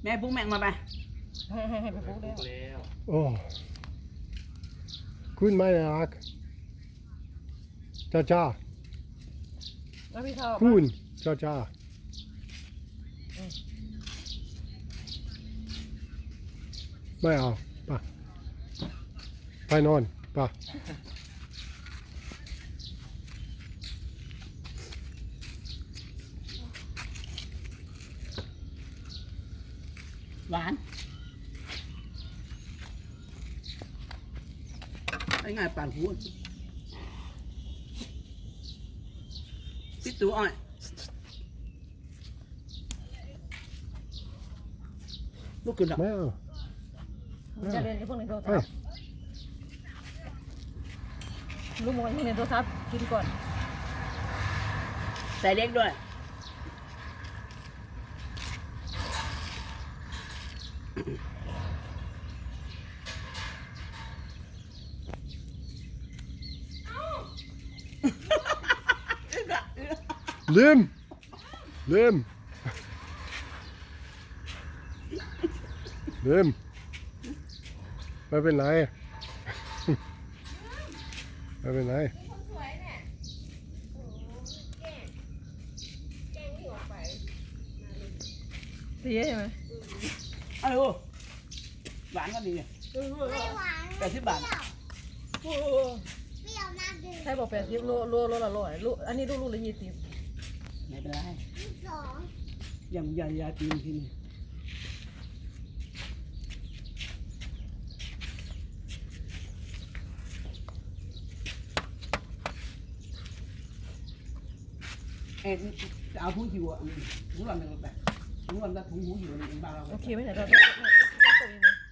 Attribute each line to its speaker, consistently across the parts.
Speaker 1: แม่ปุ๊กแม่งมาไป
Speaker 2: ให้ไปปุ๊กแล้ว
Speaker 3: โอ้คุณไม่รักจ้าจ้า
Speaker 2: แล้วพี่ชอบ
Speaker 3: คุณจ้าจ้าไม่เอาไปนอนไป
Speaker 1: หวานไอ้ง่ายปั่นหัวปิดตัวอ้อยลูกขึ้นหรอ
Speaker 3: ไม่เอา
Speaker 2: จะเรียนที่พวกในโทร
Speaker 3: ไป
Speaker 2: ศัพท์ลูกมองที่ในโทรศัพท์กินก่อน
Speaker 1: ใส่เล็กด้วย
Speaker 3: ลืมลืมไม่เป็นไรไม่เป็นไร
Speaker 2: ดีใช่ไหม
Speaker 1: อ้าวหวานก็ดี
Speaker 4: ไม่หวาน
Speaker 1: 80 บาท
Speaker 4: เปรี้ยวมากเลย
Speaker 2: ใช่บอก80โลละ100ลูกอันนี้ลูกละ20
Speaker 1: ไม่เป็นไร
Speaker 4: สอง
Speaker 1: ยังยาตีนที่นี่เอ็เอาผู้หิวอ่ะหูหลอนหนึ่งแบบหูหลอนจะถุงหูหิวในบ้านเรา
Speaker 2: โอเคไหมเนี่ยเราตัวนี้นะ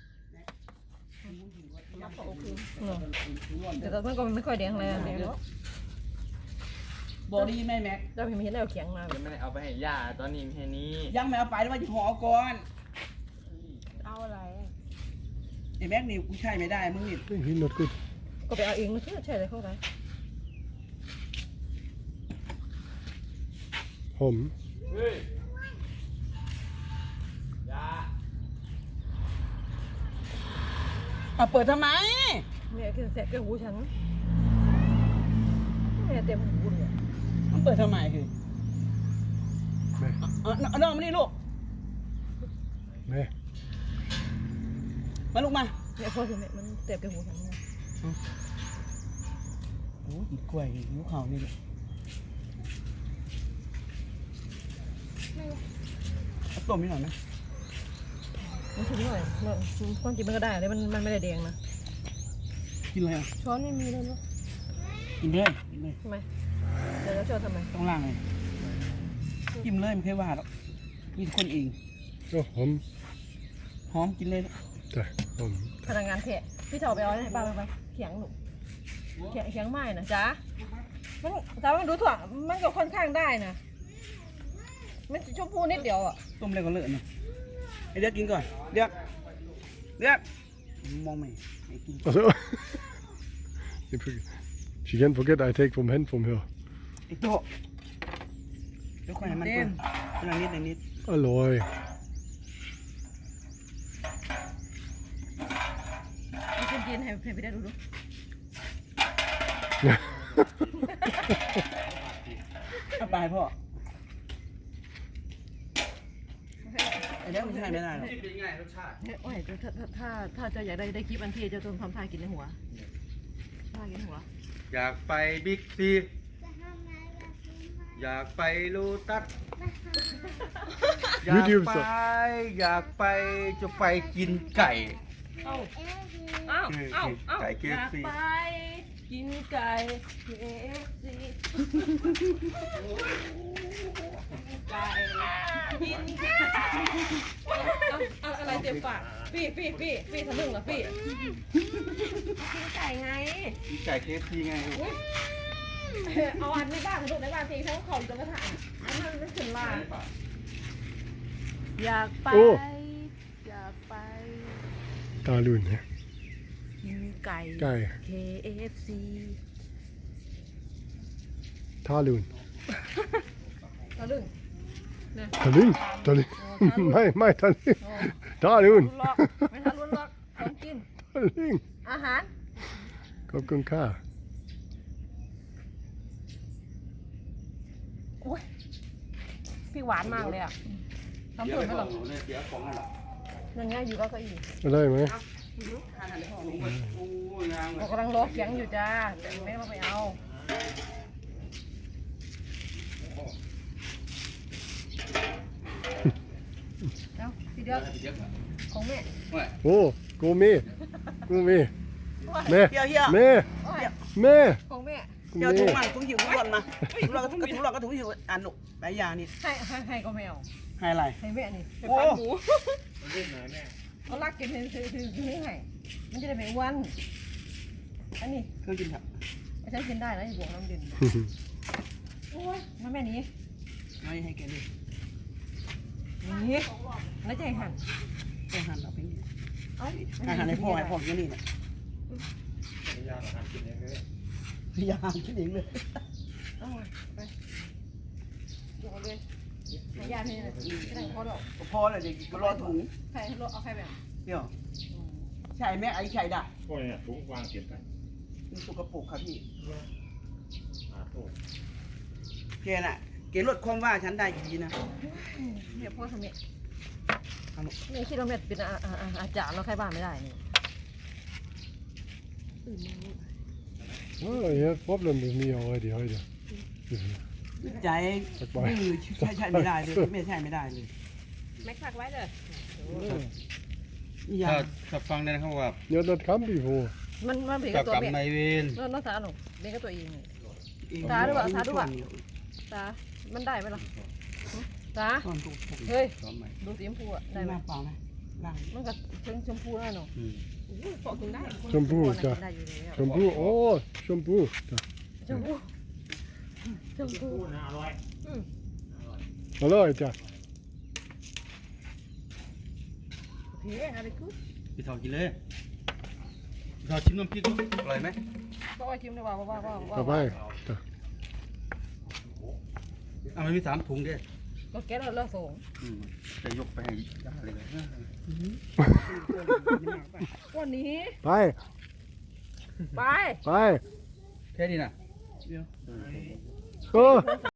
Speaker 2: แต่ตอนนั้นก็ไม่ค่อยแดงเลยแดงแล้ว
Speaker 1: บอดี้แม่แม็ก
Speaker 2: เจ้าพี่ไม่เห็นเอาเขียงมา
Speaker 5: ยังไม่ได้เอาไปให้ย่าตอนนี้แค่นี้
Speaker 1: ยังไม่เอาไปแล้วว่าจะห่อก่อน
Speaker 2: เอาอะไร
Speaker 1: ไอ้แม็กนี่กูใช่ไม่ได้มึงนี่
Speaker 3: He's not good
Speaker 2: ก็ไปเอาเองไม่ใช่เลยเข้าไป
Speaker 3: ผม
Speaker 5: เฮ้ยย่า
Speaker 1: เอาเปิดทำไม
Speaker 2: เนี่ยกินแสบแกหูฉันเนี่ยเต็มหูเลย
Speaker 1: มันเปิดทำไมคือ
Speaker 3: แม่
Speaker 1: น้องมานี่ลูก
Speaker 3: แม่
Speaker 1: มาลูกมา
Speaker 2: เนี่ยพอถึงเนี่ยมันเต็มแกหูฉันเนี่ย
Speaker 1: โอ้ยกล้วยนิ้วเข่านี่แหละเอาต้มนิดหน่อยไหม
Speaker 2: มันถึงหน่อยความจริงมันก็ได้แต่มันไม่ได้แดงนะ
Speaker 1: กินเลยอ่ะ
Speaker 2: ช้อนไม่มีเลยเนาะ
Speaker 1: กินเลย
Speaker 2: ทำไมเดี๋ยวเราช้อนทำไม
Speaker 1: ต้องล่างเลยกินเลยไม่เคยว่าหรอกมีคนเอง
Speaker 3: โอ้ผม
Speaker 1: หอมกินเลย
Speaker 3: แต่ผม
Speaker 2: พนักงานเทะพี่ถอไปเอาให้ป้าไปเขียงหนูเขียงไม้นะจ๊ะมันแต่มันดูถ่วงมันก็ค่อนข้างได้นะมันชมพูนิดเดียวอ่ะ
Speaker 1: ต้มเลยก็เลอะนะไอเด็กกินก่อนเด็กมองไม่กิน
Speaker 3: also she can't forget I take from hand from her
Speaker 1: ไอโต๊ะเดี๋ยวค่อยให้มันเปิดนิด
Speaker 3: อร่อย
Speaker 2: มีคนกินให้ไปได้ดู
Speaker 1: เอาไปพ่อไอเด็กไม่ใช่ไม่ได้หรอก
Speaker 5: เป็นไงรสชาติ
Speaker 2: โอ้ยถ้าจะอยากได้คลิปอันที่จะต้องทำท่ากินในหัวท่ากินหัว
Speaker 5: อยากไปบิ๊กซี
Speaker 4: จะทำไงล่ะคุณแม่
Speaker 5: อยากไปโลตัส
Speaker 3: YouTube
Speaker 5: อยากไปจะไปกินไก่
Speaker 4: เอ๊ะคือ
Speaker 5: ไก่
Speaker 2: อยาก
Speaker 5: KFC
Speaker 2: ไปกินไก่ KFC ไก่กินไก่เอาอะไรเต็มปากฟี่ทะลึ่งเหรอฟี่กินไก่ไง
Speaker 5: กินไก่ KFC ไงลูก
Speaker 2: เอาอันในบ้านลูกในบ้านทีเขาขอจนกระถางอันนั้นไม่ถึงลาอยากไป
Speaker 3: โอ้
Speaker 2: อยากไป
Speaker 3: ตาลุนเนี่ย
Speaker 2: กินไก่
Speaker 3: ไก่
Speaker 2: KFC
Speaker 3: ทาลุน
Speaker 2: ทะลึ่งใน
Speaker 3: Tallinn, Tallinn. Mai, Tallinn.
Speaker 2: โอ้
Speaker 3: Tallinn.
Speaker 2: ลุ้นล็อกไม่ทันลุ้นล็อกของกิน
Speaker 3: Tallinn.
Speaker 2: อาหาร
Speaker 3: Kokkun kaa.
Speaker 2: โอ้ยพี่หวานมากเลยอ่ะทำ
Speaker 5: เดี๋ยว
Speaker 2: เผื่
Speaker 5: ไป
Speaker 2: อไม่
Speaker 5: ก่
Speaker 2: ห
Speaker 5: อ
Speaker 2: ร
Speaker 5: น
Speaker 2: อก
Speaker 5: เนี่ยเสียของนั่นแหละ
Speaker 2: ยังไงอยู่ก็เก้าอี้
Speaker 3: ได้ไหม
Speaker 1: ทานอะไรพ่อ
Speaker 5: ถุงไปโอ้ยงามเล
Speaker 2: เรา
Speaker 5: ย
Speaker 2: กำลังรอเขียงอยู่จ้าแต่ไม่ต้องไปเอาเอาทีเดียว
Speaker 5: เดี๋ยวก่อน
Speaker 2: ของแม่
Speaker 5: ว่า
Speaker 3: Oh, gå med. Gå med.
Speaker 1: เฮียเฮีย
Speaker 3: Med. Med.
Speaker 2: ของแม่
Speaker 1: เฮียถุง
Speaker 3: Med.
Speaker 1: มันถุงหิวถุงหล่นมาถุงหล่นก็ถุงหล่นก็ถุงหิวอ่านหนุใบยานี่
Speaker 2: ให้ก็ไม่เอา
Speaker 1: ให้อะไร
Speaker 2: ให้แม่นี่ไป
Speaker 1: โอ้
Speaker 2: ฟันหมูเขาลักกินซื้อให้มันจะได้ไม่อ้วนอันนี้
Speaker 1: เครื่องกินครับ
Speaker 2: ฉันกินได้นะอยู่บวกน้ำดื่มโอ้ยมาแม่นี้
Speaker 1: ไม่ให้แกเลย
Speaker 2: นี่แล้วจะให้หั่น
Speaker 1: แกหั่นเอาไปนี่
Speaker 2: เอ้า
Speaker 1: ให้หั่นให้พ่อกินนี่นะยาหั่นกินเองเลย
Speaker 2: เอาไปดูเอาเลยให้ยาที่นี่เลยไม่ได้พอดอก
Speaker 1: พอเลยเด็กก็รอถุง
Speaker 2: ใครเอาใครไปอ่ะ
Speaker 1: เดี๋ยวใช่ไหมไอ้ไข่ด่ะ
Speaker 6: พวกนี้ถุงวางเก็บไป
Speaker 1: มันสกปรกครับพี่
Speaker 6: โอ้
Speaker 1: แกน่ะแกลดความว่าฉันได้ดีนะ
Speaker 2: เดี๋ยวพ่อทำเนี่ย
Speaker 1: เอาลูก
Speaker 2: นี่คิดว่าแม่เป็นอาจารย์เราใครบ้านไม่ได้นี่
Speaker 3: Oh, you have problem with me already, Heide.
Speaker 1: ใจมือใช่ไม่ได้เลยไม่ใช่ไม่ได้เลย
Speaker 2: แม็กซักไว้เลย
Speaker 1: นี่ยา
Speaker 5: ถ้าฟังได้นะครับว่า
Speaker 3: Ja, das kann before.
Speaker 2: มันเบีย
Speaker 5: กั
Speaker 2: กั
Speaker 5: บบ
Speaker 2: ตัว
Speaker 5: กรรม
Speaker 2: แม่
Speaker 5: นายเวร
Speaker 2: น้องสาวหนูเบียกับตัวเองนี่
Speaker 1: เอง
Speaker 2: ตามันได้ไหมล่ะตา
Speaker 1: ตอนถูก
Speaker 2: เฮ้ย
Speaker 5: พร้อมไหม
Speaker 2: ดูสีชมพูอ่ะ
Speaker 1: ได้
Speaker 2: ได้
Speaker 1: ไห
Speaker 2: ไห
Speaker 1: ม
Speaker 2: ม
Speaker 1: เปล่านะล่าง
Speaker 2: มันก็ชมพูแน่นอน
Speaker 5: อืม
Speaker 2: ปอกกินได้
Speaker 3: ชมพูจ้ะ
Speaker 2: ได้อยู่แล้ว
Speaker 3: Shampoo. Oh, Shampoo. Da.
Speaker 2: ชมพูชมพู
Speaker 6: พูดนะอร่อย
Speaker 3: Hallo, Heide.
Speaker 2: โอเคอะไรกู
Speaker 5: พี่ทองกินเลยพี่ทองชิมน้ำพริกดูอร่อยไหม
Speaker 2: ก็ว่าชิมได้ว่า
Speaker 3: Dabei. Da.
Speaker 5: อ่ะมันมี3 ถุงด้วย
Speaker 2: ก็แก้เราส่ง
Speaker 5: จะยกไปให้ยาเลย
Speaker 2: วันนี้
Speaker 3: Bye.
Speaker 2: ไป
Speaker 3: Bye.
Speaker 5: แค่นี้นะ
Speaker 3: Oh.